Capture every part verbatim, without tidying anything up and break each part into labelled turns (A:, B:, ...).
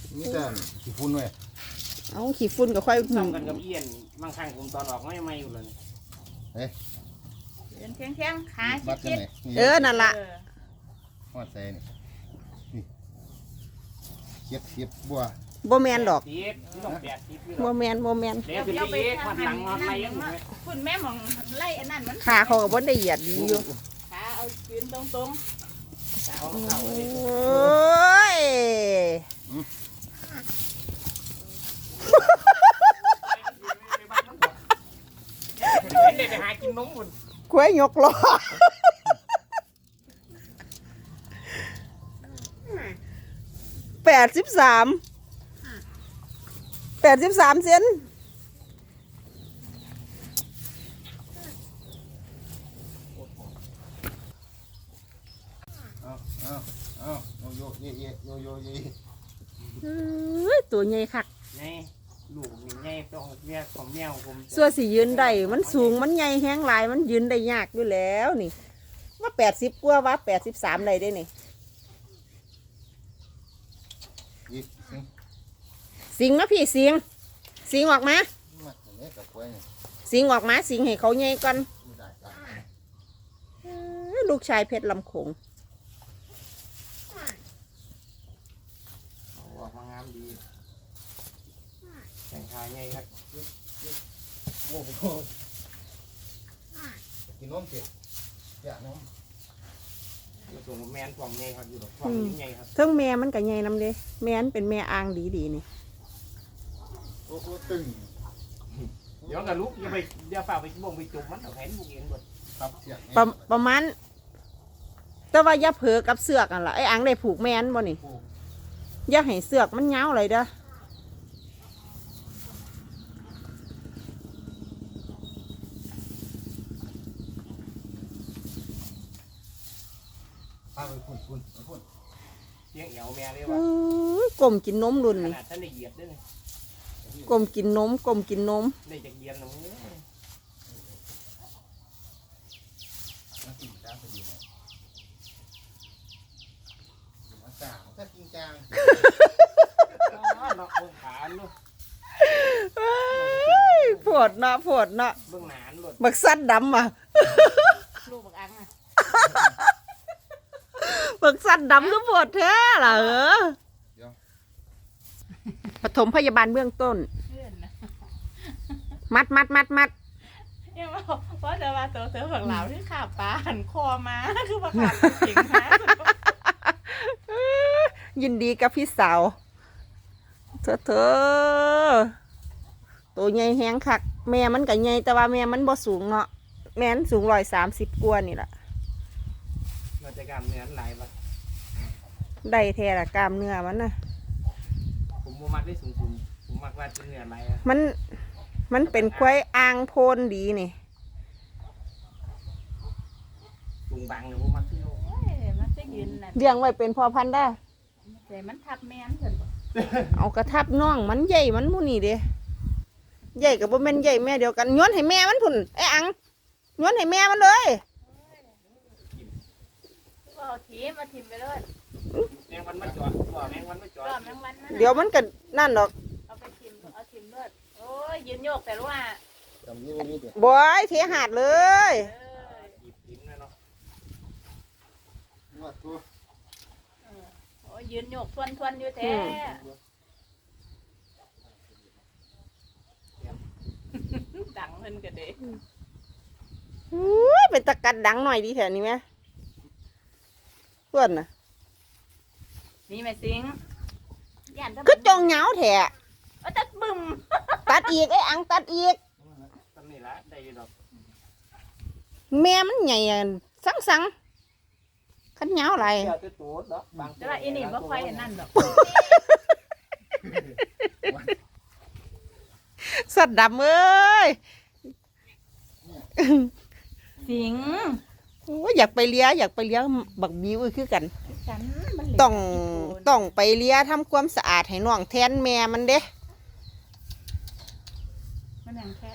A: นี่แต่ขี้ฝุ่นเว้ย
B: เอาขี้ฝุ่นก็ค่อย
C: ซ้ำกันกับเอียนบางครั้งผมตอนออกไม่ไม่อยู่เลย
A: เฮ้ย
D: เดินเที่ยงเที่ยงขาชิด
B: เออนั่นล่ะ
A: ฮอดใส่นี่เก็บเก็บบัว
B: บ่แมนดอกบ่แมนบ่แมน
C: เดี๋ยวจะไปขวัญหลังอะไรยังไง
D: คุณแม่มองไล่อันนั้นมัน
B: ขาเขาก็บ่ได้เหยียดดีอยู่
D: ขาเอายืนตรงตรง
B: โอ้ย
C: เด็กไปหากินนมหมด
B: กล้วยยกล้อแปดสิบสามแปดสิบสามเซน
A: เอาเอาเอาโยโยเยเยโยโยเย
B: เฮ้ยตัวใหญ่คัก
C: ไงลูกมีไงต้องเมียของเมียของผม
B: ส่วนสียืนได้มันสูงมันใหญ่แห้งลายมันยืนได้ยากอยู่แล้วนี่ว่าแปดสิบกว่าว่าแปดสิบสามได้ได้นี่สิงนะพี่สิงสิงออกมาสิงออกมาสิงให้เขาใหญ่ก่อนลูกชายเพชรลำโขง
C: ออกมางามดีแต่งชายไงครับ
A: โอ้โหกินนมเสร็จอยากนม
C: ส่งแมนฟองไงครับอยู่ฟองยังไงครับ
B: เทิงแม่มันกับใหญ่นำเด้แม่นเป็นแม่อ่างดีดีนี่
A: โอ้โหตึง
C: เดี๋ยวกับลูกอย่าไปอย่าฝ่าไปบ่งไปจุ่มมันเอาแขนบุกเองหมด
A: ครับเสียง
B: ประประมาณแต่ว่าอย่าเผลอกับเสือกอ่ะล่ะไอ้อ่างได้ผูกแม่นบ่นี่อย่าให้เสือกมันเงาเลยเด้อ
A: ป้าไปพุ่นพุ่นพุ่น
C: เสียงเอวแม่เลยว่
B: ากลมกินนมรุ่นนี่
C: ท่านได้เหยียดด้วย
B: กลมกินนมกลมกินนม
C: ได้จากเยียนนะมึง
A: มากินจ้าพอดีเลยมาสาวถ้ากินจาง
C: เนาะเบื้องขานลูก
B: ปวดเนาะปวดเนาะ
C: เบื้องหนานหลุด
B: บักซัดดำอ่ะ
D: ลูกบักอังอ่ะ
B: บักซัดดำก็ปวดแท้เหรอปฐมพยาบาลเบื้องต้นมัดมัดมัดมัด
D: เนี่ยว่าเพราะจะมาตัวเสือผักเหลาที่ขาปลาหันคอมาคือผักเหลาจริงนะ
B: ยินดีกับพี่สาวเธอเธอตัวใหญ่แห้งคักแม่มันกับใหญ่แต่ว่าแม่มันบ่สูงเนาะแม่นสูงร้อยสามสิบกว่านี่แหละ
C: เราจะกล้ามเนื้อไหลปะ
B: ได้แท้ละกล้ามเนื้อมันนะ
C: ผมมักได้สูงสูงผมมักว่าเนื้อไหล
B: มันมันเป็นควายอ่างโพนดีนี่
C: ตุงบังเลยผมมักที่โล
D: มันจะยืน
B: เลี้ยงไว้เป็นพ่อพันธุ์ได้
D: แต่มันทับแม่นเถิด
B: เอากระทับน้องมันใหญ่มันมูนี่เด้ใหญ่กับบ่แม่นใหญ่แม่เดียวกันย้อนให้แม่มันพุ่นไอ้อังย้อนให้แม่มันเลย
D: เอาทีมาทิมไปเลย
C: แมงวันไม่จอดแมงวันไม่จอด
B: เดี๋ยวมันก็นั่นหรอก
D: เอาไปทิมเอาทิมเลยโอ้ยยืนโยกแต่รู้ว่า
B: บอยเทหาดเลย
D: โอ้ยยืนโยกทวนทวนอยู่แท้ดังเพิ่นก็เด้
B: อุ้ยเป็นตะกัดดังหน่อยดีแถวนี้ไหมเพื่อนน่ะ
D: นี่แม่สิง
B: ก็จงเหงาแถะ
D: ตัดบึ้ม
B: ตัดอีกไอ้อังตัดอีกแม่มันใหญ่สังสังขันเหงาอะไร
D: แต่ว่าอีนี่บ่ค่อยนั่นดอก
B: สัตว์ดำเอ้ย
D: สิง
B: อยากไปเลี้ยอยากไปเลี้ยบักบิวคือกันต้องต้องไปเลี้ยทำความสะอาดให้น้องแทนแม่มันเด้
D: มันอย่างแค่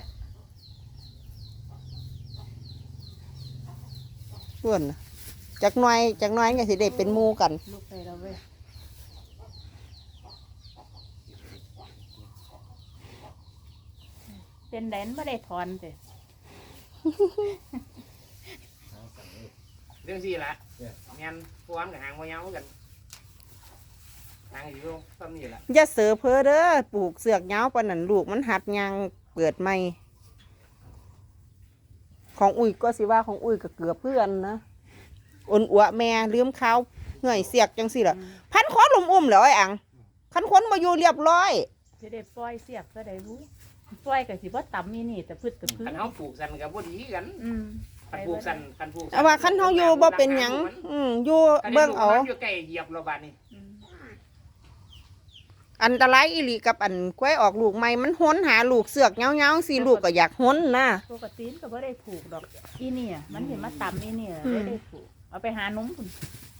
B: ส่วนจากน้อยจากน้อยก็สิได้เป็นหมู่กัน
D: ลูกไปแล้วเว้ยเป็นแดนไม่ได้ถอนเด้
A: หางสั่งเลย
C: เรื่องสี่ละแม่นพวกมันกับหางบ่ยาวกันหางอยู่ซ้ำนี่ละ
B: อย่าเสือเพ้อเด้อปลูกเสือกยาวปานนั้นลูกมันหัดยางเปิดใหม่ของอุ้ยก็สิว่าของอุ้ยก็เกือบเพื่อนนะอ่อนอัวแม่ลืมข้าวเหนื่อยเสียกจังสิล่ะพันคอนลุ่มอุ้มแล้วไอ้อังคันคนมาอยู่เรียบร้อย
D: จะได้ปล่อยเสียกก็ได้รู้ปล่อยก็สิบ่ต่ำมีนี่แต่พืชแต่พืช
C: คันเฮาปลูกสันกับบ่ดีกัน
D: อืม
C: คันปลูกสันคันปลูก
B: แต่ว่าคันเฮาอยู่บ่เป็นหยังอืมอยู่เบิ่งเอา
C: อยู่ใกล้เหยียบเราบาดนี้
D: อืม
B: อันตรายอีหลีกับอันกล้วยออกลูกใหม่มันห้นหาลูกเสือกเงาๆสิลูกก็อยากห้นนะ
D: ปกติก็บ่ได้ผูกดอกอีเนี่ยมันเห็นมาต่ำอีเนี่ย
B: อืม
D: ได้ได้ผูกเอาไปหานุ่มพุ่น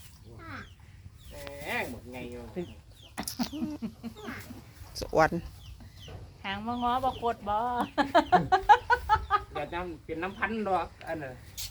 C: แหมหมดไงอยู่
B: สวน
D: หางบ่ง้อบ่กดบ่
C: เดี๋ยวน้ำเป็นน้ำพันธุ์ดอกอันน่ะ